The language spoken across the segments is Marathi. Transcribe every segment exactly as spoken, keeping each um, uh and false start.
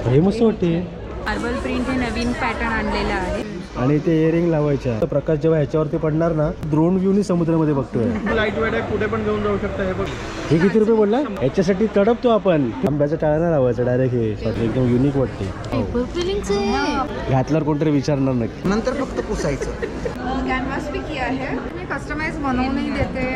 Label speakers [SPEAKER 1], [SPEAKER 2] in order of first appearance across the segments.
[SPEAKER 1] हे मस्त वाटते.
[SPEAKER 2] मार्बल प्रिंट हे नवीन पॅटर्न आणलेलं आहे.
[SPEAKER 1] आणि ते इयरिंग लावायच्या. प्रकाश जेव्हा ह्याच्यावरती पडणार ना, ड्रोन व्ह्यूनी समुद्रामध्ये बघतोय.
[SPEAKER 3] लाईट वेट आहे, कुठे पण घेऊन जाऊ शकता. हे बघ,
[SPEAKER 1] हे किती रुपये बोलला? याच्यासाठी तडपतो आपण. आंब्याचा टाळा लावायचा डायरेक्ट. हे एकदम युनिक वाटते. घातल्यावर कोणतरी विचारणार नक्की.
[SPEAKER 4] नंतर फक्त पुसायचं.
[SPEAKER 2] कॅनव्हास भी किया है, मी कस्टमाइज बनवूनही देते.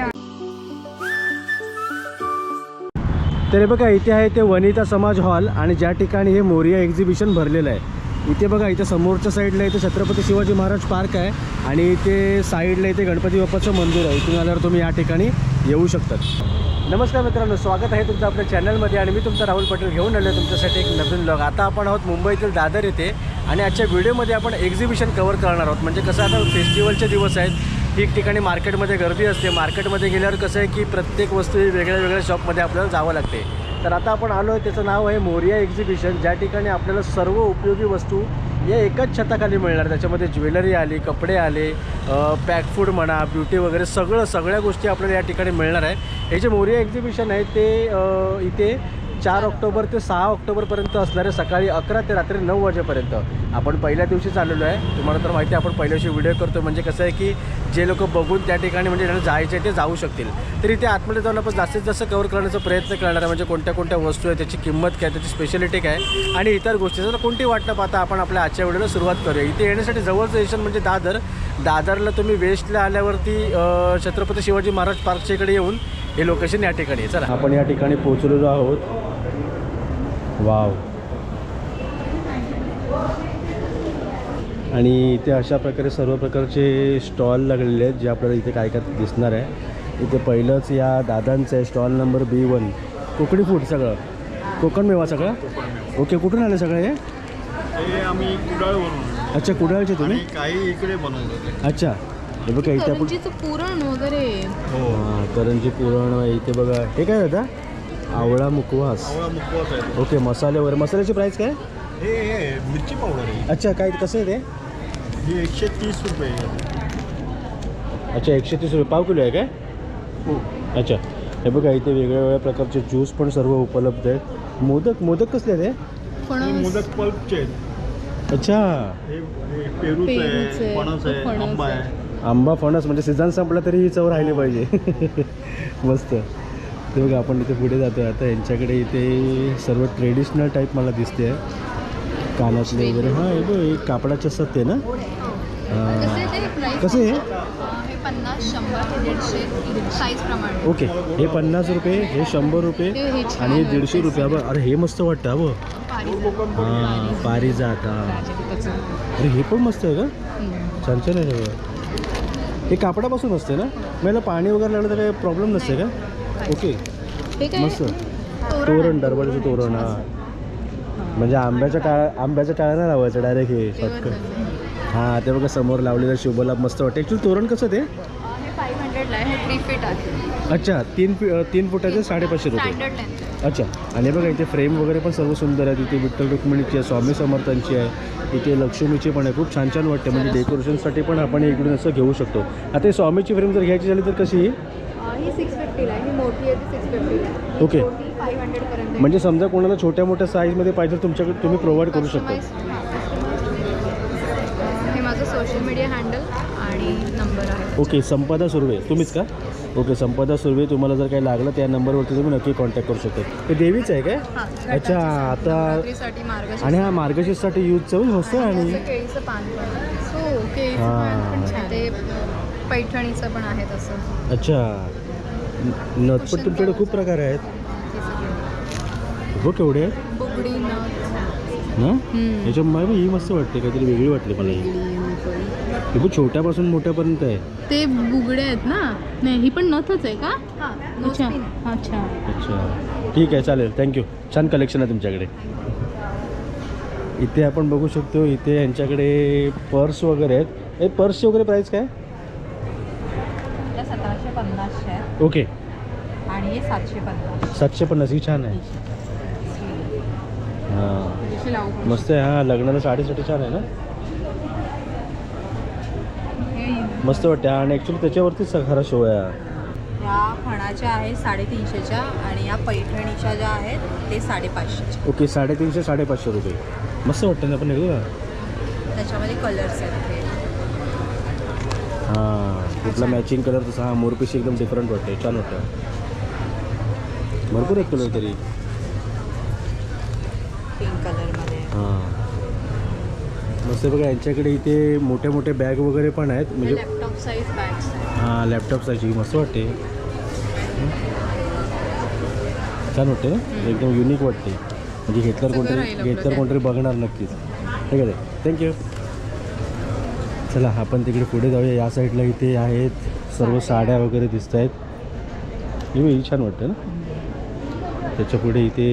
[SPEAKER 1] तर बघा इथे आहे ते वनिता समाज हॉल आणि ज्या ठिकाणी हे मोरिया एक्झिबिशन भरलेलं आहे. इथे बघा इथे समोरच्या साईडला इथे छत्रपती शिवाजी महाराज पार्क आहे आणि इथे साईडला इथे गणपती बाप्पाचं मंदिर आहे. इथून आल्यावर तुम्ही या ठिकाणी येऊ शकतात. नमस्कार मित्रांनो, स्वागत आहे तुमचं आपल्या चॅनलमध्ये आणि मी तुमचा राहुल पटेल घेऊन आलो तुमच्यासाठी एक नवीन व्लॉग. आता आपण आहोत मुंबईतील दादर येथे आणि आजच्या व्हिडिओमध्ये आपण एक्झिबिशन कव्हर करणार आहोत. म्हणजे कसं आता फेस्टिवलचे दिवस आहेत, ठिकठिकाणी मार्केटमध्ये गर्दी असते. मार्केटमध्ये गेल्यावर कसं आहे की प्रत्येक वस्तू वेगळ्या वेगळ्या शॉपमध्ये आपल्याला जावं लागते. तर आता आपण आलो आहे, त्याचं नाव आहे मोरिया एक्झिबिशन, ज्या ठिकाणी आपल्याला सर्व उपयोगी वस्तू या एकाच छताखाली मिळणार. त्याच्यामध्ये ज्वेलरी आली, कपडे आले, पॅक फूड म्हणा, ब्युटी वगैरे सगळं सगळ्या गोष्टी आपल्याला या ठिकाणी मिळणार आहे. हे जे मोरिया एक्झिबिशन आहे ते इथे चार ऑक्टोबर ते सहा ऑक्टोबरपर्यंत असणार आहे, सकाळी अकरा ते रात्री नऊ वाजेपर्यंत. आपण पहिल्या दिवशी चाललेलो आहे. तुम्हाला तर माहिती आहे आपण पहिल्या दिवशी व्हिडिओ करतो. म्हणजे कसं आहे की जे लोक बघून त्या ठिकाणी म्हणजे ज्यांना जायचे ते जाऊ शकतील. तर इथे आतमध्ये जाऊन आपण जास्तीत जास्त कव्हर करण्याचा प्रयत्न करणार आहे. म्हणजे कोणत्या कोणत्या वस्तू आहे, त्याची किंमत काय, त्याची स्पेशालिटी काय आणि इतर गोष्टी. जर कोणती वाट न पाहता आपण आपल्या आजच्या व्हिडिओला सुरुवात करूया. इथे येण्यासाठी जवळचं स्टेशन म्हणजे दादर. दादरला तुम्ही वेस्टला आल्यावरती छत्रपती शिवाजी महाराज पार्कच्या इकडे येऊन हे लोकेशन या ठिकाणी आहे. चला आपण या ठिकाणी पोहोचलेलो आहोत. वाव. आणि इथे अशा प्रकारे सर्व प्रकारचे स्टॉल लागलेले आहेत जे आपल्याला इथे काय काय दिसणार आहे. इथे पहिलंच या दादांचं आहे stall number B one. Kokani food सगळं, कोकण मेवा सगळं. ओके, कुठून आले सगळं हे?
[SPEAKER 3] हे आम्ही कुडाळवरून.
[SPEAKER 1] अच्छा, कुडाळचे तुम्ही?
[SPEAKER 3] काही इकडे बनवतो.
[SPEAKER 1] अच्छा, हे बघा इथे आपण
[SPEAKER 2] पुरण वगैरे.
[SPEAKER 3] हो,
[SPEAKER 1] करंजी पुरण. इथे बघा हे काय होता? आवळा मुकवास.
[SPEAKER 3] आवळा मुखवास आहे.
[SPEAKER 1] ओके, मसाले वगैरे. मसाल्याची प्राईस काय?
[SPEAKER 3] हे हे मिरची पावडर आहे.
[SPEAKER 1] अच्छा, काय कसं आहे ते?
[SPEAKER 3] हे एकशे तीस रुपये आहे.
[SPEAKER 1] अच्छा, एकशे तीस रुपये पाव किलो आहे काय?
[SPEAKER 3] हो.
[SPEAKER 1] अच्छा, हे बघा इथे वेगळ्या वेगळ्या प्रकारचे ज्यूस पण सर्व उपलब्ध आहेत. मोदक मोदक कसले आहेत हे?
[SPEAKER 3] हे मोदक पल्पचे आहेत.
[SPEAKER 1] अच्छा,
[SPEAKER 3] हे हे पेरूचं आहे, फणस आहे, आंबा आहे.
[SPEAKER 1] आंबा फणस म्हणजे सीझन संपला तरी ही चव राहिली पाहिजे. मस्त. ते बघा आपण इथे पुढे जातो आहे आता. यांच्याकडे इथे सर्व ट्रेडिशनल टाईप मला दिसते आहे. कानातले वगैरे. हां, हे बघ एक कापडाचं असतात ते ना. कसं आहे?
[SPEAKER 2] पन्नास, शंभर, दीडशे साईज प्रमाणे.
[SPEAKER 1] ओके, हे पन्नास रुपये, हे शंभर रुपये आणि हे दीडशे रुपये. बघ, अरे हे मस्त वाटतं. हा बघ. हां, पारिजात. हां, अरे हे पण मस्त आहे का? छान छान आहे सगळं. हे कापडापासून असते ना? मला पाणी वगैरे लागलं तर काही प्रॉब्लेम नसते का? ओके, मस्त. तोरण, दरवाजाचं तोरण. हां, म्हणजे आंब्याच्या टाळा आंब्याच्या टाळ्याला लावायचं डायरेक्ट. हे शॉर्टकट. हां, ते बघा समोर लावलेलं शुभलाभ मस्त वाटतं. ॲक्च्युली तोरण कसं ते?
[SPEAKER 2] हे फाईव्ह हंड्रेडला आहे, थ्री फीट आहे.
[SPEAKER 1] अच्छा, तीन फी तीन फुटाचे साडेपाचशे रुपये.
[SPEAKER 2] Standard length.
[SPEAKER 1] अच्छा, आणि बघा इथे फ्रेम वगैरे पण सर्व सुंदर आहे. इथे विठ्ठल रुक्मिणीची आहे, स्वामी समर्थांची आहे, इथे लक्ष्मीची पण आहे. खूप छान छान वाटते. म्हणजे डेकोरेशनसाठी पण आपण इकडून असं घेऊ शकतो. आता ही स्वामीची फ्रेम जर घ्यायची झाली तर कशी?
[SPEAKER 2] ही सिक्स फिफ्टीला आहे, ही मोठी आहे ती सिक्स फिफ्टीला.
[SPEAKER 1] ओके,
[SPEAKER 2] फाईव्ह हंड्रेडपर्यंत.
[SPEAKER 1] म्हणजे समजा कोणाला छोट्या मोठ्या साईजमध्ये पाहिजे तुमच्याकडे तुम्ही प्रोव्हाइड करू शकता.
[SPEAKER 2] हे माझं सोशल मीडिया हँडल आणि नंबर आहे.
[SPEAKER 1] ओके, संपदा सुर्वे तुम्हीच का? ओके, संपदा सुर्वे. तुम्हाला जर काही लागलं त्या नंबरवरती तुम्ही नक्की कॉन्टॅक्ट करू शकता. ते देवीच आहे काय? अच्छा, आता आणि हा मार्गशीर्षसाठी यूजचं मस्त. आणि
[SPEAKER 2] केळीचं पान पण. हां, ते पैठणीचं पण आहे तसं.
[SPEAKER 1] अच्छा, नथ पण तुमच्याकडे खूप प्रकार आहेत. हो, केवढे आहेत?
[SPEAKER 2] बुगडी नथ
[SPEAKER 1] ना. याच्या मला ही मस्त वाटते, काहीतरी वेगळी वाटली मला ही. ही खूप छोट्यापासून मोठ्यापर्यंत आहे.
[SPEAKER 2] ते बुगडे आहेत ना? नाही, ही पण नथच आहे का? अच्छा अच्छा
[SPEAKER 1] अच्छा, ठीक आहे, चालेल. थँक्यू. छान कलेक्शन आहे तुमच्याकडे. इथे आपण बघू शकतो इथे यांच्याकडे पर्स वगैरे आहेत. हे पर्सची वगैरे प्राईस काय?
[SPEAKER 2] सतराशे पन्नासशे आहे.
[SPEAKER 1] ओके,
[SPEAKER 2] आणि हे सातशे पन्नास.
[SPEAKER 1] सातशे पन्नास ही छान आहे. हां, मस्त आहे. हां, लग्नाला साडीसाठी छान आहे ना. मस्त वाटते. आणि ॲक्च्युली त्याच्यावरतीच खरा शो आहे.
[SPEAKER 4] ह्या फणाच्या आहेत साडेतीनशेच्या आणि या पैठणीच्या ज्या आहेत ते साडेपाचशेच्या.
[SPEAKER 1] ओके, साडेतीनशे साडेपाचशे रुपये. मस्त वाटतं ना, आपण घेऊ का?
[SPEAKER 4] त्याच्यामध्ये कलर्स आहेत हे.
[SPEAKER 1] हां, कुठला मॅचिंग कलर तसा. हा मोरपिशी एकदम डिफरंट वाटते, छान वाटतं. भरपूर एक कलर तरी.
[SPEAKER 4] पिंक कलरमध्ये.
[SPEAKER 1] हां, मस्त बघा. यांच्याकडे इथे मोठे मोठे बॅग वगैरे पण आहेत, म्हणजे
[SPEAKER 2] लॅपटॉप साईज बॅग्स आहेत.
[SPEAKER 1] हां, लॅपटॉप साईजची मस्त वाटते. छान वाटते ना, एकदम युनिक वाटते. म्हणजे घेतल्यावर
[SPEAKER 2] सगळं
[SPEAKER 1] कोणतरी
[SPEAKER 2] राहील आपलं
[SPEAKER 1] घेतल्यावर कोणतरी बघणार नक्कीच. ठीक आहे, थँक्यू. चला आपण तिकडे पुढे जाऊया. या साईडला इथे आहेत सर्व साड्या वगैरे दिसत आहेत. ही छान वाटतं ना. त्याच्या पुढे इथे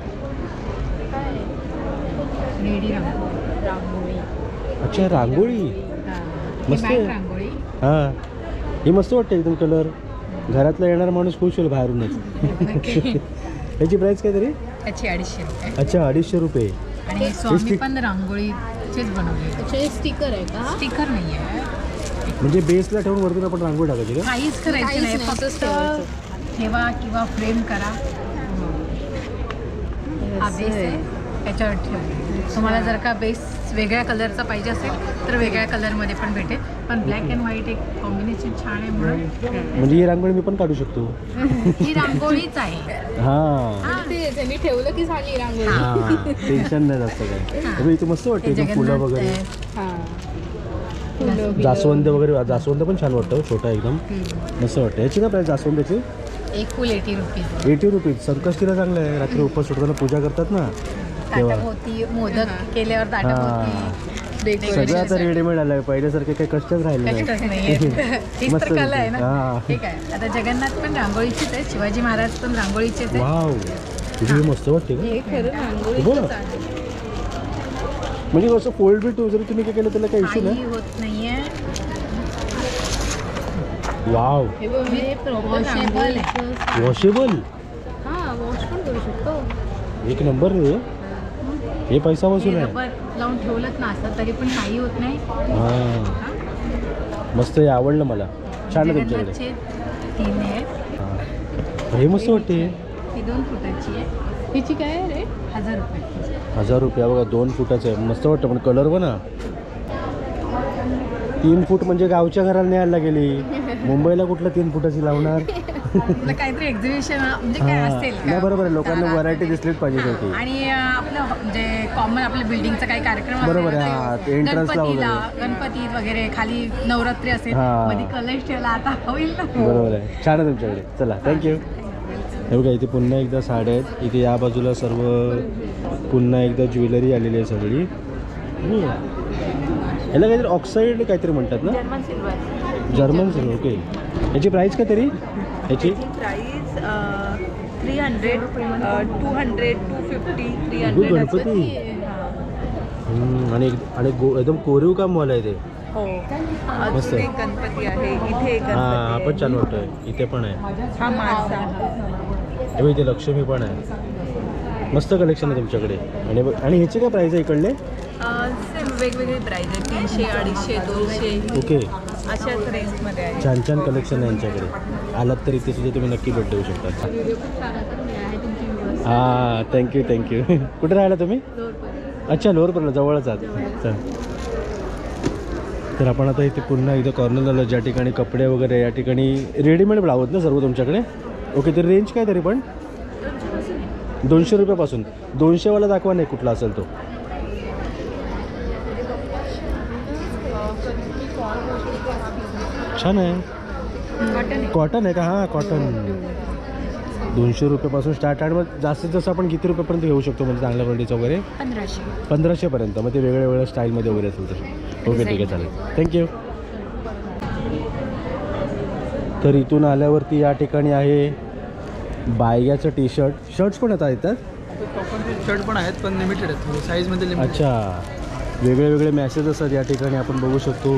[SPEAKER 2] रेडी रांगोळी.
[SPEAKER 1] अच्छा, रांगोळी मस्त आहे.
[SPEAKER 2] रांगोळी
[SPEAKER 1] हां, ही मस्त वाटते एकदम. कलर घरातला येणारा माणूस खुश होईल बाहेरूनच. याची प्राईस काय तरी?
[SPEAKER 2] त्याची अडीचशे रुपये.
[SPEAKER 1] अच्छा, अडीचशे रुपये.
[SPEAKER 2] आणि स्वामी पण रांगोळीचेच बनवले.
[SPEAKER 5] अच्छा, हे स्टिकर आहे का?
[SPEAKER 2] स्टिकर नाही आहे.
[SPEAKER 1] म्हणजे बेसला ठेवून वरतून आपण रांगोळी टाकायची का?
[SPEAKER 2] काहीच करायचं
[SPEAKER 5] काहीच
[SPEAKER 2] नाही,
[SPEAKER 5] नाही, असंच
[SPEAKER 2] फक्त
[SPEAKER 5] ठेवायचं.
[SPEAKER 2] ठेवा किंवा फ्रेम करा. हा बेस आहे, त्याच्यावर ठेवा. तुम्हाला जर का बेस वेगळ्या कलरचा पाहिजे असेल तर वेगळ्या कलरमध्ये पण भेटेल. पण ब्लॅक अँड व्हाईट एक कॉम्बिनेशन छान आहे म्हणून
[SPEAKER 1] म्हणजे ही रांगोळी मी पण काढू शकतो.
[SPEAKER 2] ही रांगोळीच आहे.
[SPEAKER 1] हां
[SPEAKER 5] आणि ते त्यांनी ठेवलं की झाली रांगोळी.
[SPEAKER 1] हां, टेन्शन नाही जास्त काय. अरे इथे मस्त वाटते एकदम फुलं
[SPEAKER 2] जगन्नाथ
[SPEAKER 1] वगैरे.
[SPEAKER 2] आहे.
[SPEAKER 5] हा, फुलं बिलं.
[SPEAKER 1] जास्वंद वगैरे. जास्वंद पण छान वाटतं, छोटा एकदम मस्त वाटतं. याची काय प्राईस जास्वंदाची?
[SPEAKER 2] एक फुल एटी रुपीज.
[SPEAKER 1] Eighty rupees. संकष्टीला चांगलं आहे. रात्री उपवास सोडताना पूजा करतात ना तेव्हा.
[SPEAKER 2] ताटाभोवती मोदक केल्यावर ताटाभोवती
[SPEAKER 1] सगळं आता रेडीमेड आलं आहे. पहिल्यासारखे काही कष्टच राहिले नाही.
[SPEAKER 2] कष्टच नाहीये. हीच
[SPEAKER 1] मस्त
[SPEAKER 2] तर कला आहे
[SPEAKER 1] हा.
[SPEAKER 2] ना. ठीक आहे. आता जगन्नाथ पण रांगोळीचीच आहे, शिवाजी महाराज पण रांगोळीचेच आहे.
[SPEAKER 1] वाव, तुझी मस्त वाटते का?
[SPEAKER 5] हे खरं रांगोळी
[SPEAKER 1] बघ. म्हणजे असं फोल्ड बिट जरी तुम्ही काय केलं त्याला काही इश्यू
[SPEAKER 2] काही
[SPEAKER 1] नाही.
[SPEAKER 2] होत नाहीये.
[SPEAKER 1] वाव,
[SPEAKER 5] हे बघ, हे प्रॉपर
[SPEAKER 2] Washable
[SPEAKER 5] रांगोळीचं.
[SPEAKER 1] वॉशेबल.
[SPEAKER 5] हा, वॉश पण करू शकतो.
[SPEAKER 1] एक नंबर रे. हे पैसा
[SPEAKER 2] हे
[SPEAKER 1] वसूल आहे.
[SPEAKER 2] रबर लावून ठेवलंच ना असं तरी पण काही होत नाही.
[SPEAKER 1] हां, मस्त. हे आवडलं मला. छान आहे तुमच्याकडे.
[SPEAKER 2] जगन्नाथचे तीन आहे.
[SPEAKER 1] हां, हे मस्त वाटते.
[SPEAKER 2] ही दोन फुटाची आहे.
[SPEAKER 5] हिची काय आहे रे?
[SPEAKER 2] हजार रुपये.
[SPEAKER 1] हजार रुपया बघा, दोन फुटाचं आहे. मस्त वाटतं. पण कलर बघा, तीन फूट म्हणजे गावच्या घराला न्यायला गेली. मुंबईला कुठलं तीन फुटाची लावणार?
[SPEAKER 2] आपलं काहीतरी एक्झिबिशन म्हणजे काय
[SPEAKER 1] हां,
[SPEAKER 2] असेल
[SPEAKER 1] नाही
[SPEAKER 2] का?
[SPEAKER 1] बरोबर आहे. लोकांना
[SPEAKER 2] तर
[SPEAKER 1] व्हरायटी दिसलीच पाहिजे
[SPEAKER 2] हां,
[SPEAKER 1] शेवटी.
[SPEAKER 2] आणि अं, आपलं म्हणजे कॉमन आपल्या बिल्डिंगचा काही कार्यक्रम असेल
[SPEAKER 1] बरोबर आहे,
[SPEAKER 2] तर
[SPEAKER 1] हां, ते entrance ला
[SPEAKER 2] गणपतीला
[SPEAKER 1] वगैरे.
[SPEAKER 2] गणपतीत वगैरे खाली नवरात्री असेल
[SPEAKER 1] हां.
[SPEAKER 2] मध्ये कलश ठेवला आता होईल ना.
[SPEAKER 1] बरोबर आहे. छान आहे तुमच्याकडे. चला, थँक्यू. हे बघा, इथे पुन्हा एकदा साड्या आहेत. इथे या बाजूला सर्व पुन्हा एकदा ज्वेलरी आलेली आहे सगळी. हम्म. याला काहीतरी ऑक्साईड काहीतरी म्हणतात ना?
[SPEAKER 4] German silver.
[SPEAKER 1] German silver. Okay. याची प्राईस काय तरी? याची
[SPEAKER 4] price three hundred two hundred two fifty three
[SPEAKER 1] go
[SPEAKER 4] hundred
[SPEAKER 1] Ganpati. हम्म, आणि आणि गो एकदम कोरीव कामवाला आहे ते.
[SPEAKER 4] हो.
[SPEAKER 1] मस्त
[SPEAKER 4] अजून
[SPEAKER 1] आहे.
[SPEAKER 4] एक गणपती आहे इथे. एक
[SPEAKER 1] हां, हा
[SPEAKER 4] गणपती
[SPEAKER 1] पण छान
[SPEAKER 4] आहे.
[SPEAKER 1] वाटतोय. इथे पण आहे.
[SPEAKER 4] हा मासा.
[SPEAKER 1] हे बघ, इथे लक्ष्मी पण आहे. मस्त कलेक्शन आहे तुमच्याकडे. आणि बघ- आणि ह्याचे काय प्राईस आहे इकडले?
[SPEAKER 4] सेम वेगवेगळे प्राईज आहे. तीनशे अडीचशे दोनशे
[SPEAKER 1] ओके.
[SPEAKER 4] अशाच रेंजमध्ये आहे.
[SPEAKER 1] छान छान कलेक्शन आहे यांच्याकडे. आलात तर इथे सुद्धा तुम्ही नक्की भेट देऊ शकता.
[SPEAKER 5] व्हिडिओ खूप छान आहे, तर मी आहे तुमची व्हिडिओ.
[SPEAKER 1] हां, थँक्यू थँक्यू. कुठे राहिला तुम्ही? अच्छा, लोअरपर्यंत जवळच आहात. चल, तर आपण आता इथे पुन्हा इथं कॉर्नर झालं ज्या ठिकाणी कपडे वगैरे, या ठिकाणी रेडीमेड ब्लाऊज ना सर्व तुमच्याकडे. ओके, तर रेंज काय तरी पण दोनशे रुपयापासून. दोनशेवाला दाखवा नाही कुठला असेल तो. छान आहे. कॉटन आहे का? हां, कॉटन. दोनशे रुपयापासून स्टार्ट. आणि मग जास्तीत जास्त आपण किती रुपयापर्यंत घेऊ शकतो म्हणजे चांगल्या क्वालिटीचं वगैरे?
[SPEAKER 2] पंधराशे.
[SPEAKER 1] पंधराशेपर्यंत. मग ते वेगळ्या वेगळ्या स्टाईलमध्ये वगैरे असेल तर. ओके, ठीक आहे, चालेल. थँक्यू. तर इथून आल्यावरती या ठिकाणी आहे बायग्याचं टी शर्ट. शर्ट्स पण आता येतात.
[SPEAKER 6] शर्ट पण आहेत पण लिमिटेड आहेत साईजमध्ये लिमिटेड.
[SPEAKER 1] अच्छा, वेगळे वेगळे मॅसेज असतात या ठिकाणी आपण बघू शकतो.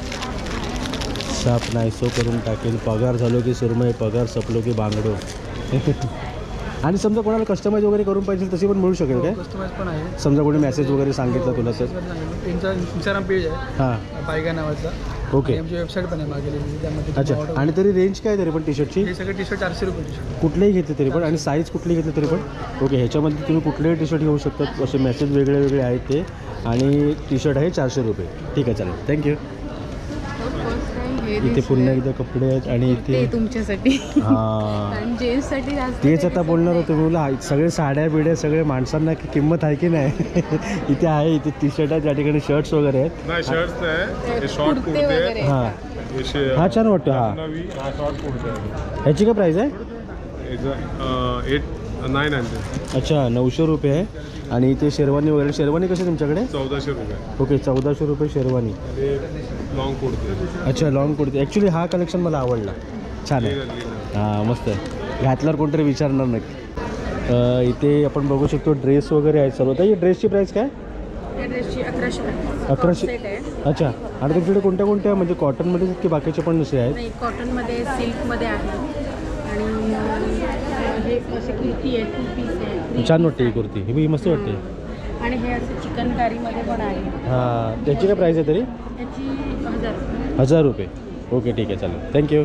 [SPEAKER 1] साप नाहीसो करून टाकेल, पगार झालो की सुरमई, पगार सपलो की बांगडो. आणि समजा कोणाला कस्टमाइज वगैरे करून पाहिजे तशी पण मिळू शकेल काय?
[SPEAKER 6] कस्टमाइज पण आहे.
[SPEAKER 1] समजा कोणी मेसेज वगैरे सांगितलं तुला तर?
[SPEAKER 6] इंस्टा इंस्टाग्राम पेज आहे
[SPEAKER 1] हां,
[SPEAKER 6] बायगा नावाचा.
[SPEAKER 1] ओके.
[SPEAKER 6] आणि आमची वेबसाईट पण आहे मागे लिहिलेली, त्यामध्ये
[SPEAKER 1] अच्छा,
[SPEAKER 6] तुम्ही order-
[SPEAKER 1] आणि तरी रेंज काय तरी पण टी शर्टची
[SPEAKER 6] हे सगळे टी शर्ट चारशे रुपये टी शर्ट.
[SPEAKER 1] कुठलेही घेतले तरी पण आणि साईज कुठली घेतली तरी पण ओके. ह्याच्यामध्ये तुम्ही कुठलेही टी शर्ट घेऊ शकतात. असे मॅसेज वेगळे वेगळे आहेत ते आणि टी शर्ट आहे चारशे रुपये. ठीक आहे, चालेल, थँक्यू. इथे पुन्हा एकदा कपडे आहेत आणि
[SPEAKER 5] ते
[SPEAKER 1] इथे
[SPEAKER 5] तुमच्यासाठी
[SPEAKER 1] हां
[SPEAKER 5] आणि जेंट्ससाठी जास्त
[SPEAKER 1] तेच आता बोलणार होतो मी. बोला सगळे साड्या बिड्या सगळे माणसांना की किंमत आहे की नाही. इथे आहे, इथे टी शर्ट आहेत, त्या ठिकाणी शर्ट्स वगैरे आहेत.
[SPEAKER 3] नाही शर्ट्स आहे हे शॉर्ट
[SPEAKER 5] कुर्ते
[SPEAKER 3] कुर्ते
[SPEAKER 5] वगैरे
[SPEAKER 1] हां
[SPEAKER 3] हे शे-
[SPEAKER 1] हा छान वाटतो. हा
[SPEAKER 3] नवी हा शॉर्ट कुर्ते आहे
[SPEAKER 1] ह्याची काय प्राईस आहे?
[SPEAKER 3] याचं एट नाईन हंड्रेड
[SPEAKER 1] अच्छा, नऊशे रुपये आहे. आणि इथे शेरवानी वगैरे. शेरवानी कशी तुमच्याकडे?
[SPEAKER 3] चौदाशे रुपये
[SPEAKER 1] ओके, चौदाशे रुपये शेरवानी.
[SPEAKER 3] हे लॉंग कुर्ते
[SPEAKER 1] अच्छा, लॉंग कुर्ती. ॲक्च्युली हा कलेक्शन मला आवडला, छान आहे. हां मस्त आहे, घातल्यावर कोणतरी विचारणार नक्की. अ, इथे आपण बघू शकतो ड्रेस वगैरे आहेत सर्व. तर ही ड्रेसची प्राईस काय?
[SPEAKER 2] ड्रेसची अकराशे
[SPEAKER 1] अकराशे. अच्छा, आणि तुमच्याकडे कोणत्या कोणत्या म्हणजे कॉटनमध्ये की बाकीचे पण नसे आहेत?
[SPEAKER 2] नाही, कॉटनमध्ये सिल्कमध्ये आहे आणि अं, हे असे कुर्ती आहे, टू पीस आहे.
[SPEAKER 1] छान वाटते ही कुर्ती, ही ही मस्त वाटते.
[SPEAKER 2] आणि हे असं चिकनकारीमध्ये पण आहे.
[SPEAKER 1] हां, त्याची काय प्राईस आहे तरी?
[SPEAKER 2] याची हजार रुपये.
[SPEAKER 1] हजार रुपये. ओके, ठीक आहे, चालेल, थँक्यू.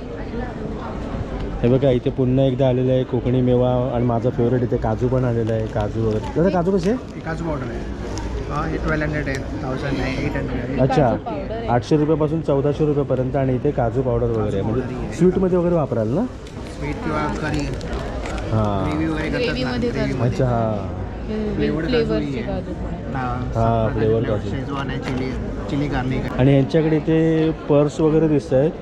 [SPEAKER 1] हे बघा इथे पुन्हा एकदा आलेलं आहे कोकणी मेवा आणि माझा फेवरेट इथे काजू पण आलेला आहे. काजू वगैरे. दादा काजू कसे आहे?
[SPEAKER 6] काजू पावडर आहे. हा हे ट्वेल्व हंड्रेड आहे, थाउजंड आहे, एट हंड्रेड आहे.
[SPEAKER 1] अच्छा, आठशे रुपयापासून चौदाशे रुपयापर्यंत. आणि इथे काजू पावडर वगैरे आहे, म्हणजे स्वीटमध्ये वगैरे वापराल ना?
[SPEAKER 6] स्वीट किंवा करी
[SPEAKER 1] हां
[SPEAKER 6] ग्रेव्ही वगैरे करतात ना,
[SPEAKER 5] ग्रेव्हीमध्ये
[SPEAKER 6] ग्रेव्ही
[SPEAKER 5] करतात.
[SPEAKER 1] अच्छा, हां
[SPEAKER 6] फ्लेवर्ड
[SPEAKER 5] फ्लेवरचे काजू पण आहे.
[SPEAKER 1] हा, फ्लेवर काजू.
[SPEAKER 6] शेजवान आहे, चिली चिली गार्लिक आहे.
[SPEAKER 1] आणि यांच्याकडे इथे पर्स वगैरे दिसत आहेत.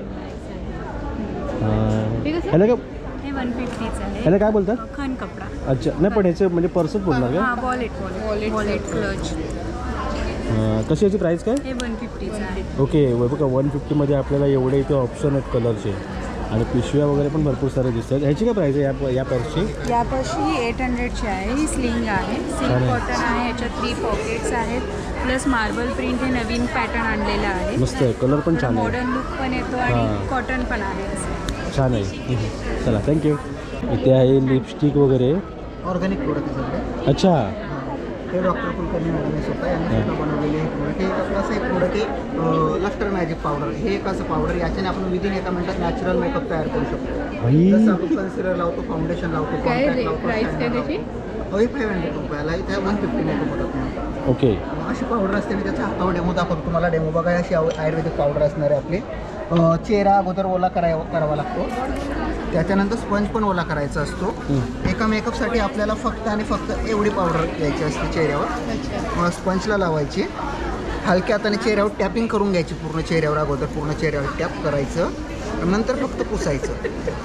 [SPEAKER 5] ते कसं?
[SPEAKER 1] ह्याला काय
[SPEAKER 4] हे वन फिफ्टीचं आहे.
[SPEAKER 1] ह्याला काय बोलतात?
[SPEAKER 4] खन कपडा.
[SPEAKER 1] अच्छा, नाही पण ह्याचे म्हणजे पर्सच बोलणार का?
[SPEAKER 4] हा वॉलेट वॉलेट वॉलेट क्लच.
[SPEAKER 1] हां, कशी याची प्राईस काय?
[SPEAKER 4] हे वन फिफ्टीचं आहे.
[SPEAKER 1] ओके, बघा वन फिफ्टीमध्ये आपल्याला एवढे इथे ऑप्शन आहेत कलरचे. आणि पिशव्या वगैरे पण भरपूर सारे दिसत आहेत. ह्याची काय प्राईस आहे या या पर्सची?
[SPEAKER 4] या पर्सची ही एट हंड्रेडची आहे. ही स्लिंग आहे, सिल्क
[SPEAKER 1] छान आहे.
[SPEAKER 4] कॉटन आहे, याच्यात थ्री पॉकेट्स आहेत, प्लस मार्बल प्रिंट हे नवीन पॅटर्न आणलेलं आहे.
[SPEAKER 1] मस्त आहे, कलर पण छान आहे.
[SPEAKER 4] मॉडर्न लुक पण येतो
[SPEAKER 1] हां.
[SPEAKER 4] आणि कॉटन पण आहे असं.
[SPEAKER 1] छान आहे. चला, थँक्यू. इथे आहे लिपस्टिक वगैरे.
[SPEAKER 6] ऑर्गॅनिक प्रोडक्ट आहे सगळे.
[SPEAKER 1] अच्छा,
[SPEAKER 6] हे डॉक्टर कुलकर्णी मॅडमने स्वतः यांनी स्वतः बनवलेले हे प्रोडक्ट. हे एक असं एक प्रोडक्ट आहे लफ्टर मॅजिक पावडर. हे एक असं पावडर, याच्याने आपण विदिन एका मिनिटात नॅचरल मेकअप तयार करू शकतो.
[SPEAKER 1] भाई.
[SPEAKER 6] जसं आपण कन्सिलर लावतो, फाउंडेशन लावतो,
[SPEAKER 5] काय
[SPEAKER 6] कॉम्पॅक्ट
[SPEAKER 5] रे
[SPEAKER 6] लावतो,
[SPEAKER 5] प्राईस काय
[SPEAKER 6] शायनर
[SPEAKER 5] त्याची?
[SPEAKER 6] लावतो. हे फाईव्ह हंड्रेड रुपयाला. इथे वन फिफ्टी मेकअप होतात म्हणून.
[SPEAKER 1] ओके.
[SPEAKER 6] अशी पावडर असते. मी त्याचा हातावर डेमो दाखवतो तुम्हाला. डेमो बघा, अशी आव- आयुर्वेदिक पावडर असणार आहे आपली. अं, चेहरा अगोदर ओला करावा करावा लागतो, त्याच्यानंतर स्पंज पण ओला करायचा असतो. एका मेकअपसाठी आपल्याला फक्त आणि फक्त एवढी पावडर घ्यायची असते चेहऱ्यावर. स्पंजला लावायची, हलक्या हाताने चेहऱ्यावर टॅपिंग करून घ्यायची. पूर्ण चेहऱ्यावर अगोदर पूर्ण चेहऱ्यावर टॅप करायचं, नंतर फक्त पुसायचं.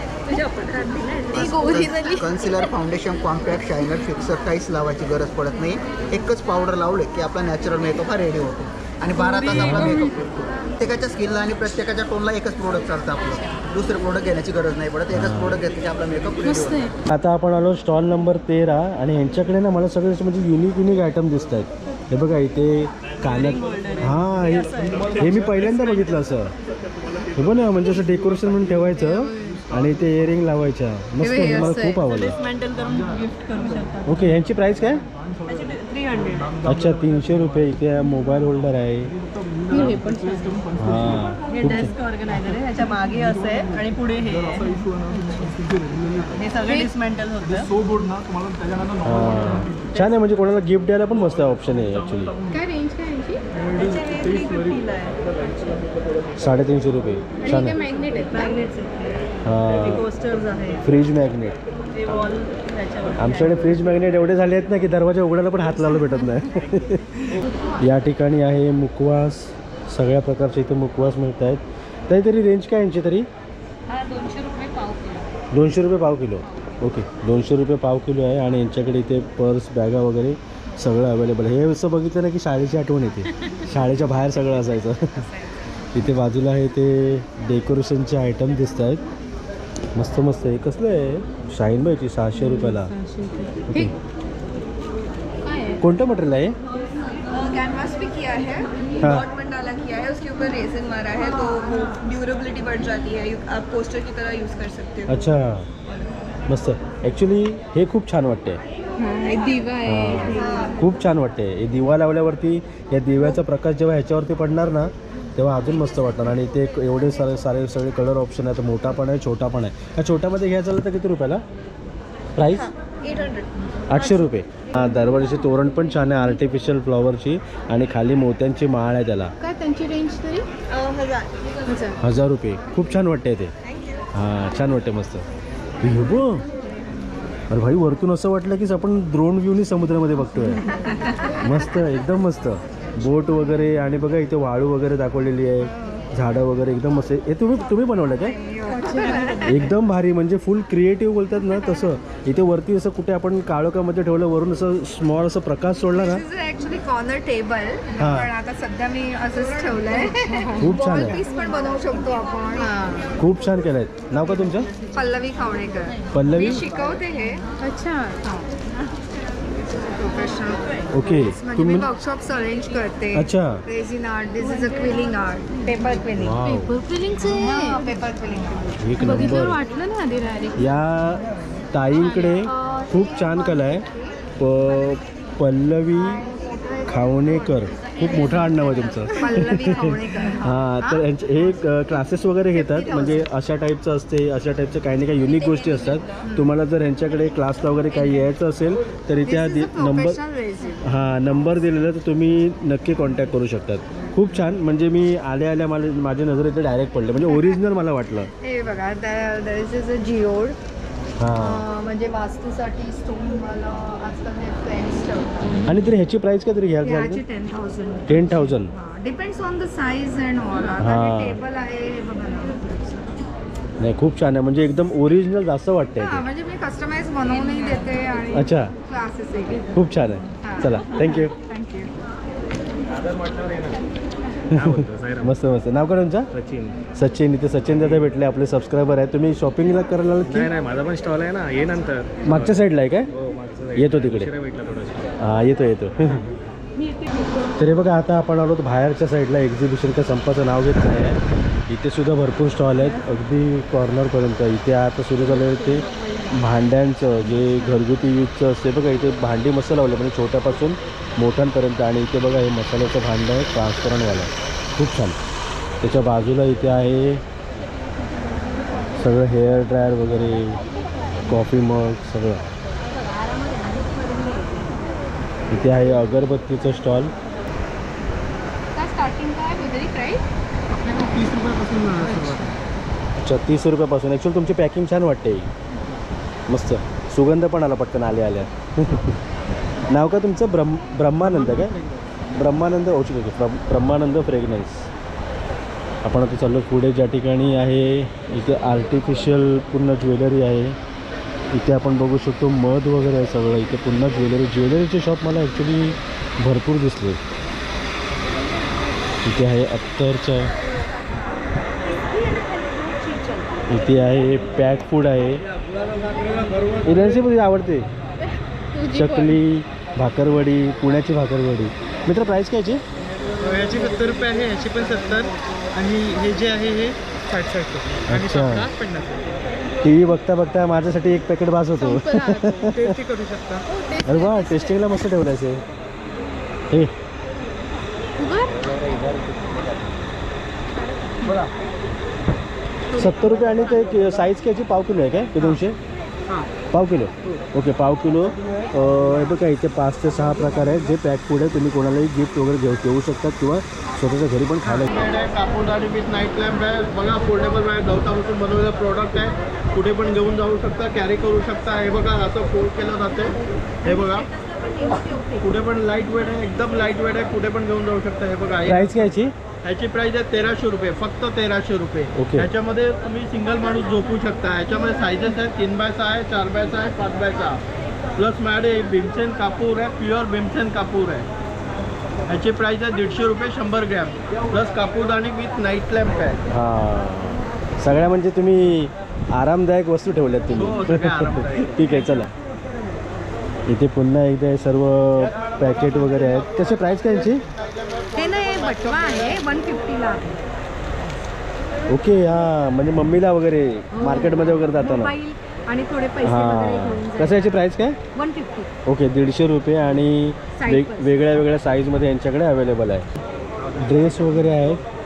[SPEAKER 6] Concealer, foundation, compact, shiner, fixer काहीच लावायची गरज पडत नाही. एकच पावडर लावले की आपला नॅचरल मेकअप हा रेडी होतो आणि बारा तास आपला मेकअप होतो. प्रत्येकाच्या स्किनला आणि प्रत्येकाच्या टोनला एकच प्रोडक्ट चालतं आपलं. दुसरे प्रोडक्ट घेण्याची गरज नाही पडत. एकच प्रोडक्ट घेतलं की आपला मेकअप रेडी होतो.
[SPEAKER 1] आता आपण आलो स्टॉल नंबर तेरा आणि यांच्याकडे ना मला सगळे असे म्हणजे युनिक युनिक आयटम दिसत आहेत. हे बघा इथे कानात. हां, हे हे मी पहिल्यांदा बघितलं असं. हे बघ ना, म्हणजे असं डेकोरेशन म्हणून ठेवायचं आणि ते इयरिंग लावायच्या. मस्त, हे मला खूप आवडलं. ओके, यांची प्राईस काय? अच्छा, तीनशे रुपये. इथे मोबाईल होल्डर आहे.
[SPEAKER 5] हे पण छान.
[SPEAKER 1] हां,
[SPEAKER 7] हे डेस्क ऑर्गनायझर आहे. ह्याच्या मागे असं आहे आणि पुढे हे आहे. हे सगळे डिसमेंटल होतं.
[SPEAKER 1] हां, छान आहे. म्हणजे कोणाला गिफ्ट द्यायला पण मस्त ऑप्शन आहे ॲक्च्युली.
[SPEAKER 5] काय रेंज काय यांची?
[SPEAKER 7] त्याचे थ्री फिफ्टीला आहे.
[SPEAKER 1] साडेतीनशे रुपये.
[SPEAKER 5] आणि
[SPEAKER 1] छान
[SPEAKER 5] काय
[SPEAKER 1] आहे.
[SPEAKER 5] मॅग्नेट आहेत?
[SPEAKER 7] मॅग्नेट्स आहेत,
[SPEAKER 1] हां,
[SPEAKER 7] कोस्टर्स आहे,
[SPEAKER 1] फ्रीज मॅग्नेट.
[SPEAKER 7] ते वॉल त्याच्यावर.
[SPEAKER 1] आमच्याकडे फ्रीज मॅग्नेट एवढे झाले आहेत ना की दरवाजा उघडायला पण हात लावला भेटत नाही. या ठिकाणी आहे मुखवास. सगळ्या प्रकारचे इथे मुखवास मिळत आहेत. तरी रेंज काय यांची तरी?
[SPEAKER 5] हा दोनशे रुपये पाव किलो.
[SPEAKER 1] दोनशे रुपये पाव किलो. ओके, दोनशे रुपये पाव किलो आहे. आणि यांच्याकडे इथे पर्स, बॅगा वगैरे सगळं अवेलेबल आहे. हे असं बघितलं ना की शाळेची आठवण येते. शाळेच्या बाहेर सगळं असायचं. इथे बाजूला आहे ते डेकोरेशनचे आयटम दिसत आहेत. मस्त मस्त आहे. कसलं आहे? शाईन बाईची सहाशे रुपयाला. ओके,
[SPEAKER 5] काय आहे?
[SPEAKER 1] कोणतं मटेरियल आहे?
[SPEAKER 7] कैनवास भी किया है,
[SPEAKER 1] हाँ।
[SPEAKER 7] डॉट मंडाला किया है, उसके ऊपर रेजिन मारा है तो वो ड्यूरेबिलिटी बढ़ जाती है. You- आप पोस्टर की तरह यूज़ कर सकते हो.
[SPEAKER 1] अच्छा, मस्त. ॲक्च्युली हे खूप छान वाटते.
[SPEAKER 5] हा, एक दिवा आहे.
[SPEAKER 1] खूप छान वाटते. हे दिवा लावल्यावरती या दिव्याचा प्रकाश जेव्हा ह्याच्यावरती पडणार ना तेव्हा अजून मस्त वाटणार. आणि ते एक एवढे सारे सारे सगळे कलर ऑप्शन आहेत. मोठा पण आहे, छोटा पण आहे. ह्या छोट्यामध्ये घ्यायचं झालं तर किती रुपयाला प्राईस?
[SPEAKER 4] एट हंड्रेड
[SPEAKER 1] आठशे रुपये. हां, दरवर्षी तोरण पण छान आहे आर्टिफिशियल फ्लॉवरची आणि खाली मोत्यांची माळ आहे त्याला.
[SPEAKER 5] काय त्यांची रेंज तरी
[SPEAKER 4] हजार
[SPEAKER 1] हजार रुपये. खूप छान वाटते ते. हां, छान वाटते मस्त. हे बघ, अरे भाई वरतून असं वाटलं की आपण ड्रोन व्ह्यूनी समुद्रामध्ये बघतोय. मस्त, एकदम मस्त. बोट वगैरे आणि बघा इथे वाळू वगैरे दाखवलेली आहे, झाडं वगैरे एकदम मस्त. हे तुम्ही तुम्ही बनवलं काय? एकदम भारी. म्हणजे फुल क्रिएटिव्ह बोलतात ना तसं. इथे वरती असं कुठे आपण काळोखामध्ये ठेवलं, वरून असं स्मॉल असं प्रकाश सोडला ना.
[SPEAKER 4] ऍक्च्युली कॉर्नर टेबल
[SPEAKER 1] हा.
[SPEAKER 4] पण आता सध्या मी असंच ठेवलंय.
[SPEAKER 1] खूप छान आहे.
[SPEAKER 4] पीस पण बनवू शकतो आपण.
[SPEAKER 1] खूप छान केलं आहे. नाव का तुमचं?
[SPEAKER 4] पल्लवी खावणेकर.
[SPEAKER 1] पल्लवी.
[SPEAKER 4] मी शिकवते हे
[SPEAKER 5] अच्छा.
[SPEAKER 4] प्रोफेशनल.
[SPEAKER 1] ओके.
[SPEAKER 4] म्हणजे मी
[SPEAKER 1] तुम्ही
[SPEAKER 4] वर्कशॉप्स अरेंज करते.
[SPEAKER 1] अच्छा.
[SPEAKER 4] Resin art, this is a quilling art, paper quilling.
[SPEAKER 1] Wow,
[SPEAKER 5] paper फिलिंगचं आहे.
[SPEAKER 4] Paper quilling.
[SPEAKER 1] एक
[SPEAKER 5] बघितलं
[SPEAKER 1] नंबर.
[SPEAKER 5] वाटलं ना आधी डायरेक्ट.
[SPEAKER 1] या ताईंकडे खूप छान कला आहे. प पल्लवी खावणेकर. खूप मोठं आडनाव आहे तुमचं.
[SPEAKER 4] पल्लवी खावणेकर.
[SPEAKER 1] हां, तर यांचे हे क्लासेस वगैरे घेतात. म्हणजे अशा टाईपचं असते, अशा टाईपचं काही ना काही युनिक गोष्टी असतात. तुम्हाला जर यांच्याकडे क्लासला वगैरे काही यायचं असेल तर इथे हा दि- नंबर हां नंबर दिलेला तर तुम्ही नक्की कॉन्टॅक्ट करू शकतात. खूप छान. म्हणजे मी आल्या आल्या मला माझ्या नजरेत डायरेक्ट पडले. म्हणजे ओरिजिनल मला वाटलं.
[SPEAKER 4] हे बघा, दिस इज अ जिओड.
[SPEAKER 1] हां,
[SPEAKER 4] म्हणजे वास्तूसाठी स्टोन मला आजकाल हे फ्रेंड्स ठेवतात.
[SPEAKER 1] आणि तरी ह्याची प्राईस काय तरी घ्यायला
[SPEAKER 4] ह्याची
[SPEAKER 1] झालं
[SPEAKER 4] ten thousand.
[SPEAKER 1] Ten thousand
[SPEAKER 4] depends on the size and all.
[SPEAKER 1] हा.
[SPEAKER 4] आता टेबल आहे हे बघा ना.
[SPEAKER 1] नाही, खूप छान आहे. म्हणजे एकदम ओरिजिनल जास्त वाटतंय
[SPEAKER 4] हा,
[SPEAKER 1] ते.
[SPEAKER 4] म्हणजे मी कस्टमाइज बनवूनही देते आणि
[SPEAKER 1] अच्छा,
[SPEAKER 4] क्लासेसही घेते.
[SPEAKER 1] खूप छान आहे. चला, थँक्यू.
[SPEAKER 4] थँक्यू.
[SPEAKER 1] मस्त मस्त. नाव काय तुमचं?
[SPEAKER 3] सचिन.
[SPEAKER 1] सचिन. इथे सचिन दादा भेटले, आपले सबस्क्रायबर आहेत. तुम्ही शॉपिंगला करायला आलात की?
[SPEAKER 3] नाही नाही, माझा पण स्टॉल आहे ना, ये नंतर.
[SPEAKER 1] मागच्या साईडला आहे काय?
[SPEAKER 3] हो, मागचं
[SPEAKER 1] येतो तिकडे.
[SPEAKER 3] उशिरा भेटला थोडंसं.
[SPEAKER 1] हां, येतो येतो. तरी बघा, आता आपण आलो बाहेरच्या साईडला. एक्झिबिशनच्या संपाचं नाव घेत नाही आहे. इथे सुद्धा भरपूर स्टॉल आहेत, अगदी कॉर्नरपर्यंत. इथे आता सुरू झालं आहे ते भांड्यांचं, जे घरगुती यूजचं असते बघा. इथे भांडी मस्त लावलं, म्हणजे छोट्यापासून मोठ्यांपर्यंत. आणि इथे बघा, हे मसाल्याचं भांडं आहे, ट्रान्सपरंटवालं. खूप छान. त्याच्या बाजूला इथे आहे सगळं हेअर ड्रायर वगैरे, कॉफी मग सगळं. इथे आहे अगरबत्तीचं स्टॉल.
[SPEAKER 5] काय स्टार्टिंग काय वगैरे प्राईस?
[SPEAKER 6] तीस रुपयापासून सुरुवात.
[SPEAKER 1] अच्छा, तीस रुपयापासून. ॲक्च्युअली तुमची पॅकिंग छान वाटते, मस्त. सुगंध पण आला पटकन आल्या आल्या. नाव का तुमचं? ब्रह्म ब्रह्मानंद काय? ब्रह्मानंद. ओके ओके, ब्रह्म ब्रह्मानंद फ्रेग्रन्स. आपण आता चाललो पुढे. ज्या ठिकाणी आहे इथे आर्टिफिशियल पूर्ण ज्वेलरी आहे. इथे आपण बघू शकतो मध वगैरे आहे सगळं. इथे पुन्हा ज्वेलरी ज्वेलरीचे शॉप मला ॲक्च्युली भरपूर दिसले. इथे आहे अत्तरचं. इथे आहे पॅक फूड आहे. रेसिपी आवडते. चकली, भाकरवडी, पुण्याची भाकरवडी. मित्र, प्राईस कायची?
[SPEAKER 6] याची सत्तर रुपये आहे, याची पण सत्तर. आणि हे जे आहे हे साठ साठ रुपये.
[SPEAKER 1] अच्छा.
[SPEAKER 6] पन्नास.
[SPEAKER 1] टी व्ही बघता बघता माझ्यासाठी एक पॅकेट भास होतो.
[SPEAKER 6] टेस्टी करू शकता.
[SPEAKER 1] अरे वा, टेस्टिंगला मस्त ठेवलं आहे हे. सत्तर रुपये. आणि ते साईज घ्यायची पाव किलो आहे काय? ते दोनशे पाव किलो. ओके, पाव किलो. हे बघा, इथे पाच ते सहा प्रकार आहेत जे पॅक फूड आहे. तुम्ही कोणालाही गिफ्ट वगैरे घेऊ घेऊ शकतात किंवा स्वतःच्या घरी पण खायला.
[SPEAKER 3] कापूरदारी विथ नाईट लॅम्प आहे बघा. फोल्डेबल आहे, गवतापासून बनवलेलं प्रोडक्ट आहे. कुठे पण घेऊन जाऊ शकता, कॅरी करू शकता. हे बघा, असं फोल्ड केलं जाते. हे बघा, कुठे पण लाईट वेट आहे, एकदम लाईट वेट आहे. कुठे पण घेऊन जाऊ शकता. हे बघा,
[SPEAKER 1] प्राईस घ्यायची.
[SPEAKER 3] ह्याची प्राइस आहे तेराशे रुपये, फक्त तेराशे रुपये.
[SPEAKER 1] ओके.
[SPEAKER 3] ह्याच्यामध्ये तुम्ही सिंगल माणूस झोपू शकता. ह्याच्यामध्ये सायझेस आहेत, तीन बाय सहा आहे, चार बाय सहा आहे, पाच बाय सहा. प्लस माझ्याकडे भीमसेन कापूर आहे, प्युअर भीमसेन कापूर आहे. ह्याची प्राइस आहे दीडशे रुपये शंभर ग्रॅम. प्लस कापूरदाणी विथ नाईट लॅम्प आहे.
[SPEAKER 1] हां, सगळ्या म्हणजे तुम्ही आरामदायक वस्तू ठेवल्यात
[SPEAKER 3] हो,
[SPEAKER 1] तुम्ही.
[SPEAKER 3] सगळ्या आरामदायक.
[SPEAKER 1] ठीक आहे, चला. इथे पुन्हा एकदा सर्व पॅकेट वगैरे आहेत. त्याची प्राईस काय यांची?
[SPEAKER 4] हे ना, हे बटवा आहे, वन फिफ्टीला.
[SPEAKER 1] ओके. हां, म्हणजे मम्मीला वगैरे मार्केटमध्ये वगैरे जाताना.
[SPEAKER 4] मोबाईल आणि थोडे पैसे वगैरे
[SPEAKER 1] हां,
[SPEAKER 4] घेऊन
[SPEAKER 1] कसं याची प्राईस काय?
[SPEAKER 4] One fifty.
[SPEAKER 1] ओके, दीडशे रुपये. आणि
[SPEAKER 4] Size
[SPEAKER 1] वेग
[SPEAKER 4] पण.
[SPEAKER 1] वेगळ्या वेगळ्या साईजमध्ये यांच्याकडे अवेलेबल आहे. ड्रेस वगैरे आहेत.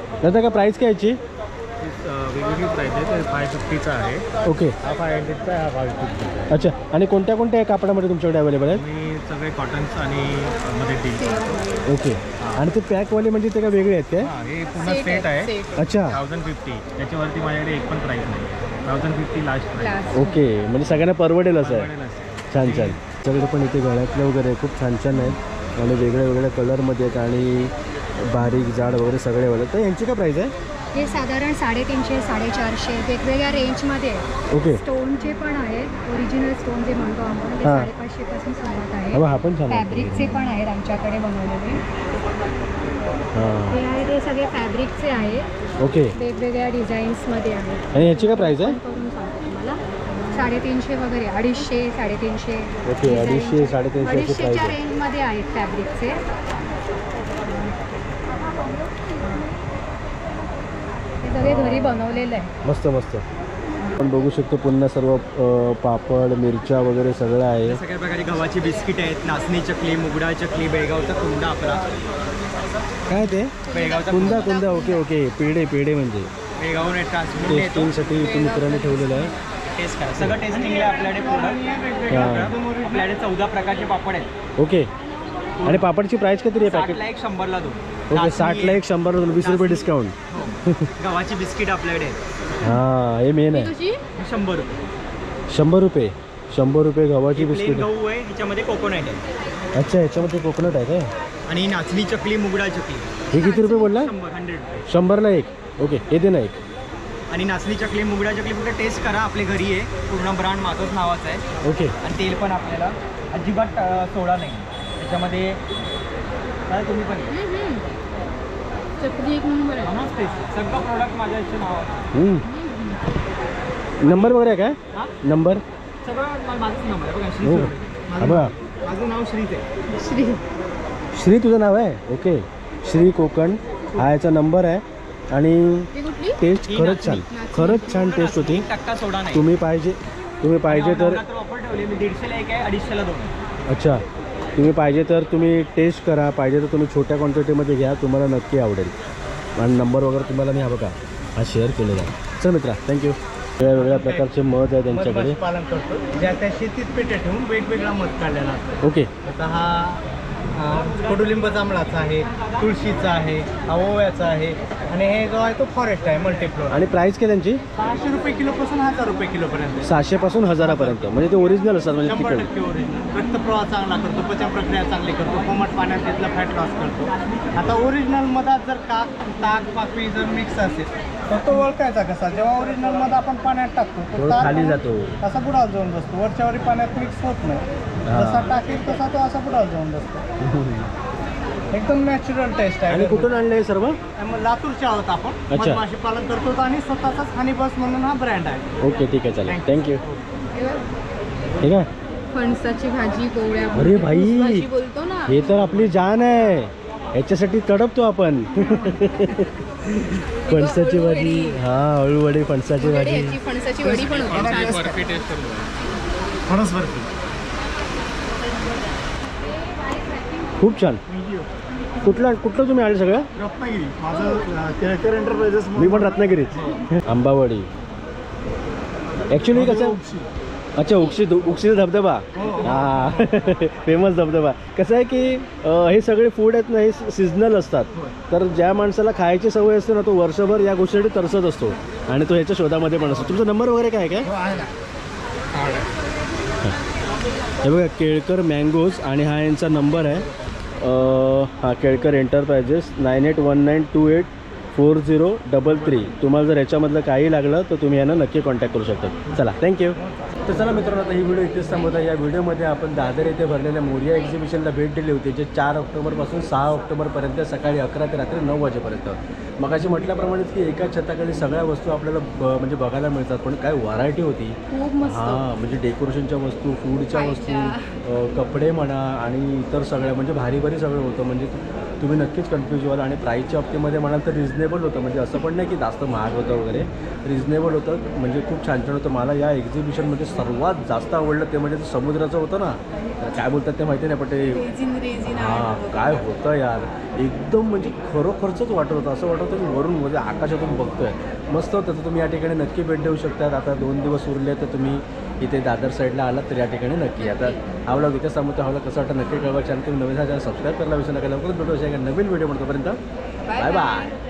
[SPEAKER 1] दादा का प्राईस काय याची?
[SPEAKER 8] वेगवेगळी प्राईस आहे. ते फाय फिफ्टीचा आहे,
[SPEAKER 1] ओके,
[SPEAKER 8] हा फाय हंड्रेडचा आहे, हा फाय फिफ्टीचा आहे.
[SPEAKER 1] अच्छा. आणि कोणत्या कोणत्या कापडामध्ये तुमच्याकडे अवेलेबल आहेत?
[SPEAKER 8] मी सगळे कॉटन्स आणि मध्ये डील करतो.
[SPEAKER 1] ओके. आणि ते पॅकवाले म्हणजे ते काय वेगळे आहेत काय?
[SPEAKER 8] हां, हे पूर्ण सेट आहे.
[SPEAKER 1] अच्छा,
[SPEAKER 8] थाउजंड फिफ्टी त्याच्यावरती माझ्याकडे एक पण प्राईस नाही. Thousand fifty last price.
[SPEAKER 1] Okay. म्हणजे सगळ्यांना परवडेल असं आहे.
[SPEAKER 8] परवडेल असेल.
[SPEAKER 1] छान छान. सगळे पण इथे गळ्यातले वगैरे खूप छान छान आहेत आणि वेगळ्या वेगळ्या कलरमध्ये आहेत आणि बारीक जाड वगैरे सगळे वाले. तर यांची काय प्राईस आहे?
[SPEAKER 9] हे साधारण साडेतीनशे साडेचारशे वेगवेगळ्या रेंजमध्ये आहे.
[SPEAKER 1] ओके.
[SPEAKER 9] स्टोनचे पण आहेत, ओरिजिनल स्टोन जे म्हणतो आपण ते
[SPEAKER 1] हां.
[SPEAKER 9] साडेपाचशे पासून सुरुवात आहे.
[SPEAKER 1] अबा, हा पण छान आहे.
[SPEAKER 9] फॅब्रिकचे पण आहेत आमच्याकडे बनवलेले.
[SPEAKER 1] हां,
[SPEAKER 9] हे आहे ते सगळे फॅब्रिकचे आहेत,
[SPEAKER 1] ओके.
[SPEAKER 9] वेगवेगळ्या डिझाईन्समध्ये आहेत.
[SPEAKER 1] आणि याची काय प्राईस आहे?
[SPEAKER 9] करून सांगते तुम्हाला साडेतीनशे वगैरे, अडीचशे साडेतीनशे.
[SPEAKER 1] ओके, अडीचशे, साडेतीनशे अशी
[SPEAKER 9] अडीचशेच्या
[SPEAKER 1] price आहे.
[SPEAKER 9] रेंजमध्ये आहेत फॅब्रिकचे. हे सगळे घरी बनवलेलं आहे.
[SPEAKER 1] मस्त मस्त. आपण बघू शकतो पुन्हा सर्व अ, पापड, मिरच्या वगैरे सगळं आहे.
[SPEAKER 10] सगळ्या प्रकारची गव्हाची बिस्किट आहेत, नाचणी चकली, मुगडा चकली, बेळगावचा कुंदा आपला.
[SPEAKER 1] काय ते?
[SPEAKER 10] बेळगावचा
[SPEAKER 1] कुंदा कुंदा ओके ओके. पेढे पेढे म्हणजे
[SPEAKER 10] बेळगावने ट्रान्सपोर्ट येतो.
[SPEAKER 1] टेस्टिंगसाठी इथे मित्रांनी ठेवलेलं आहे.
[SPEAKER 10] टेस्ट करा, सगळं टेस्टिंगला आपल्याकडे प्रोडक्ट.
[SPEAKER 1] हां,
[SPEAKER 10] आपल्याकडे चौदा प्रकारचे पापड आहेत.
[SPEAKER 1] ओके. आणि पापडची प्राईस किती आहे पॅकेट?
[SPEAKER 10] साठला एक, शंभरला दोन.
[SPEAKER 1] ओके,
[SPEAKER 10] नाचणी
[SPEAKER 1] साठला एक, शंभरला दोन, वीस रुपये
[SPEAKER 10] नाचणी.
[SPEAKER 1] डिस्काउंट.
[SPEAKER 10] हो. गव्हाची बिस्किट आपल्याकडे आहेत.
[SPEAKER 1] हां, हे मेन आहे.
[SPEAKER 2] कशी?
[SPEAKER 10] शंभर रुपये.
[SPEAKER 1] शंभर रुपये शंभर रुपये गव्हाची
[SPEAKER 10] प्लेन
[SPEAKER 1] बिस्किट.
[SPEAKER 10] गहू आहे, ह्याच्यामध्ये कोकोनट आहे.
[SPEAKER 1] अच्छा, याच्यामध्ये कोकोनट आहे काय?
[SPEAKER 10] आणि नाचणी चकली, मुगडा चकली.
[SPEAKER 1] हे किती रुपये बोलला?
[SPEAKER 10] शंभर हंड्रेड रुपये.
[SPEAKER 1] शंभरला एक. ओके, हे दे ना एक.
[SPEAKER 10] आणि नाचणी चकली, मुगडा चकली फक्त टेस्ट करा, आपले घरी आहे. पूर्ण ब्रँड माझंच नावाचं आहे.
[SPEAKER 1] ओके.
[SPEAKER 10] आणि तेल पण आपल्याला अजिबात अ, सोडा नाही त्याच्यामध्ये. काय तुम्ही पण
[SPEAKER 2] चकली एक नंबर आहे.
[SPEAKER 10] मस्त टेस्ट. सगळं प्रोडक्ट माझ्या याचे नाव आहे.
[SPEAKER 1] हम्म. नंबर वगैरे आहे काय?
[SPEAKER 10] हां?
[SPEAKER 1] नंबर?
[SPEAKER 10] सगळं मा- माझंच नाव आहे बघा, श्री
[SPEAKER 1] हो.
[SPEAKER 10] सुरवे. माझं
[SPEAKER 1] अबा,
[SPEAKER 10] नाव- माझं नाव श्रीच आहे.
[SPEAKER 2] श्री
[SPEAKER 1] श्री तुझं नाव आहे? ओके, श्री कोकण हा याचा नंबर आहे. आणि
[SPEAKER 2] ही कुठली?
[SPEAKER 1] टेस्ट
[SPEAKER 10] ही
[SPEAKER 1] खरंच छान,
[SPEAKER 10] नाचणी.
[SPEAKER 1] खरंच छान टेस्ट होती.
[SPEAKER 10] एक टक्का सोडा नाही.
[SPEAKER 1] तुम्ही पाहिजे तुम्ही पाहिजे तर
[SPEAKER 10] ऑफर ठेवली मी, दीडशेला एक आहे, अडीचशेला दोन आहे.
[SPEAKER 1] अच्छा, तुम्ही पाहिजे तर तुम्ही टेस्ट करा, पाहिजे तर तुम्ही छोट्या क्वांटिटीमध्ये घ्या, तुम्हाला नक्की आवडेल. आणि नंबर वगैरे तुम्हाला मी हा बघा हा शेअर केलेला आहे. चल मित्रा, थँक्यू. वेगवेगळ्या प्रकारचे मध आहे त्यांच्याकडे.
[SPEAKER 3] पालन करतो, ज्या त्या शेतीत पेटे ठेवून वेगवेगळा मध काढलेला असतो.
[SPEAKER 1] ओके.
[SPEAKER 3] आता हा अ, कडुलिंब जांभळाचा आहे, तुळशीचा आहे, हा ओव्याचा आहे आणि हे जो आहे तो फॉरेस्ट आहे मल्टीफ्लोर.
[SPEAKER 1] आणि प्राईस काय त्यांची?
[SPEAKER 3] सहाशे रुपये किलोपासून हजार रुपये किलोपर्यंत.
[SPEAKER 1] सहाशेपासून हजारापर्यंत. म्हणजे ते ओरिजिनल असतात म्हणजे
[SPEAKER 3] शंभर
[SPEAKER 1] तिकडे.
[SPEAKER 3] टक्के ओरिजिनल. रक्तप्रवाह चांगला करतो, पचन प्रक्रिया चांगली करतो, कोमट पाण्यात तिथला फॅट लॉस करतो. आता ओरिजिनल मधात जर काक ताक पाकळी जर मिक्स असेल तर तो ओळखायचा कसा? जेव्हा ओरिजिनल मध आपण पाण्यात टाकतो
[SPEAKER 1] तो
[SPEAKER 3] तो ताक
[SPEAKER 1] खाली
[SPEAKER 3] आहे ना,
[SPEAKER 1] जातो.
[SPEAKER 3] असा बुडाला जाऊन बसतो, वरच्यावरी पाण्यात मिक्स होत नाही.
[SPEAKER 1] हा.
[SPEAKER 3] जसा टाकेल तसा तो असा बुडाला जाऊन बसतो. एकदम नॅचरल टेस्ट आहे.
[SPEAKER 1] आणि कुठून आणलं हे सर्व?
[SPEAKER 3] मग लातूरचे आहोत आपण,
[SPEAKER 1] अच्छा.
[SPEAKER 3] मधमाशी पालन करतो आणि स्वतःचाच हनी बस म्हणून हा ब्रँड आहे.
[SPEAKER 1] ओके, ठीक आहे, चालेल, थँक्यू. ठीक आहे.
[SPEAKER 2] फणसाची भाजी, पोळ्या.
[SPEAKER 1] अरे भाई,
[SPEAKER 2] भाजी बोलतो ना.
[SPEAKER 1] हे तर आपली जान आहे, याच्यासाठी तडपतो आपण. फणसाची भाजी, हा अळूवडी, फणसाची भाजी.
[SPEAKER 2] याची फणसाची वडी पण होती.
[SPEAKER 3] फणस बर्फी.
[SPEAKER 1] खूप छान. कुठला कुठलं तुम्ही आले सगळं?
[SPEAKER 3] रत्नागिरी. माझं केळकर एंटरप्राइजेस.
[SPEAKER 1] मी पण रत्नागिरीच. आंबावडी ॲक्च्युली कसं? अच्छा, उक्षी उक्षीचा धबधबा. हा, फेमस धबधबा. कसं आहे की अ, हे सगळे फूड आहेत ना, हे सिजनल असतात. तर ज्या माणसाला खायची सवय असते ना, तो वर्षभर या गोष्टीसाठी तरसत असतो आणि तो ह्याच्या शोधामध्ये पण असतो. तुमचा नंबर वगैरे काय काय? हे बघा, केळकर मँगोज आणि हा यांचा नंबर आहे. अ, हा Kelkar enterprises nine eight one nine two eight four zero double three. तुम्हाला जर याच्यामधलं काही लागलं तर तुम्ही यांना नक्की कॉन्टॅक्ट करू शकता. चला, थँक्यू. तर चला मित्रांनो, आता ही व्हिडिओ इथेच थांबवता. या व्हिडिओमध्ये आपण दादर येथे भरलेल्या मोरिया एक्झिबिशनला भेट दिली होती, जे चार ऑक्टोबरपासून सहा ऑक्टोबरपर्यंत सकाळी अकरा ते रात्री नऊ वाजेपर्यंत. मग अशी म्हटल्याप्रमाणेच की एका छताखाली सगळ्या वस्तू आपल्याला ब म्हणजे बघायला मिळतात, पण काय व्हरायटी होती.
[SPEAKER 2] खूप मस्त.
[SPEAKER 1] हां, म्हणजे डेकोरेशनच्या वस्तू, फूडच्या वस्तू, अ, कपडे म्हणा आणि इतर सगळ्या म्हणजे भारी भारी सगळं होतं. म्हणजे तुम्ही नक्कीच कन्फ्यूज व्हाल. आणि प्राईसच्या बाबतीमध्ये म्हणाल तर रिजनेबल होतं, म्हणजे असं पण नाही की जास्त महाग होतं वगैरे, रिजनेबल होतं. म्हणजे खूप छान छान होतं. मला या एक्झिबिशनमध्ये सर्वात जास्त आवडलं ते म्हणजे ते समुद्राचं होतं ना, तर काय बोलतात ते माहिती नाही, पण ते
[SPEAKER 4] रेझिन रेझिन
[SPEAKER 1] हां काय होतं यार, एकदम म्हणजे खरोखरचंच वाटत होतं. असं वाटत होतं की वरून म्हणजे आकाशातून बघतोय. मस्त होतं. तर तुम्ही या ठिकाणी नक्की भेट देऊ शकतात. आता दोन दिवस उरले तर तुम्ही इथे दादर साईडला आलात तर या ठिकाणी नक्की. आता हा व्लॉग इथे सांगतो, हा व्लॉग कसं वाटतं नक्की कळवा. चॅनल तुम्ही नवीन चॅनल सबस्क्राईब करायला विसरू नका. लवकरच भेटू अशा एका नवीन व्हिडिओ म्हणतोपर्यंत बाय बाय.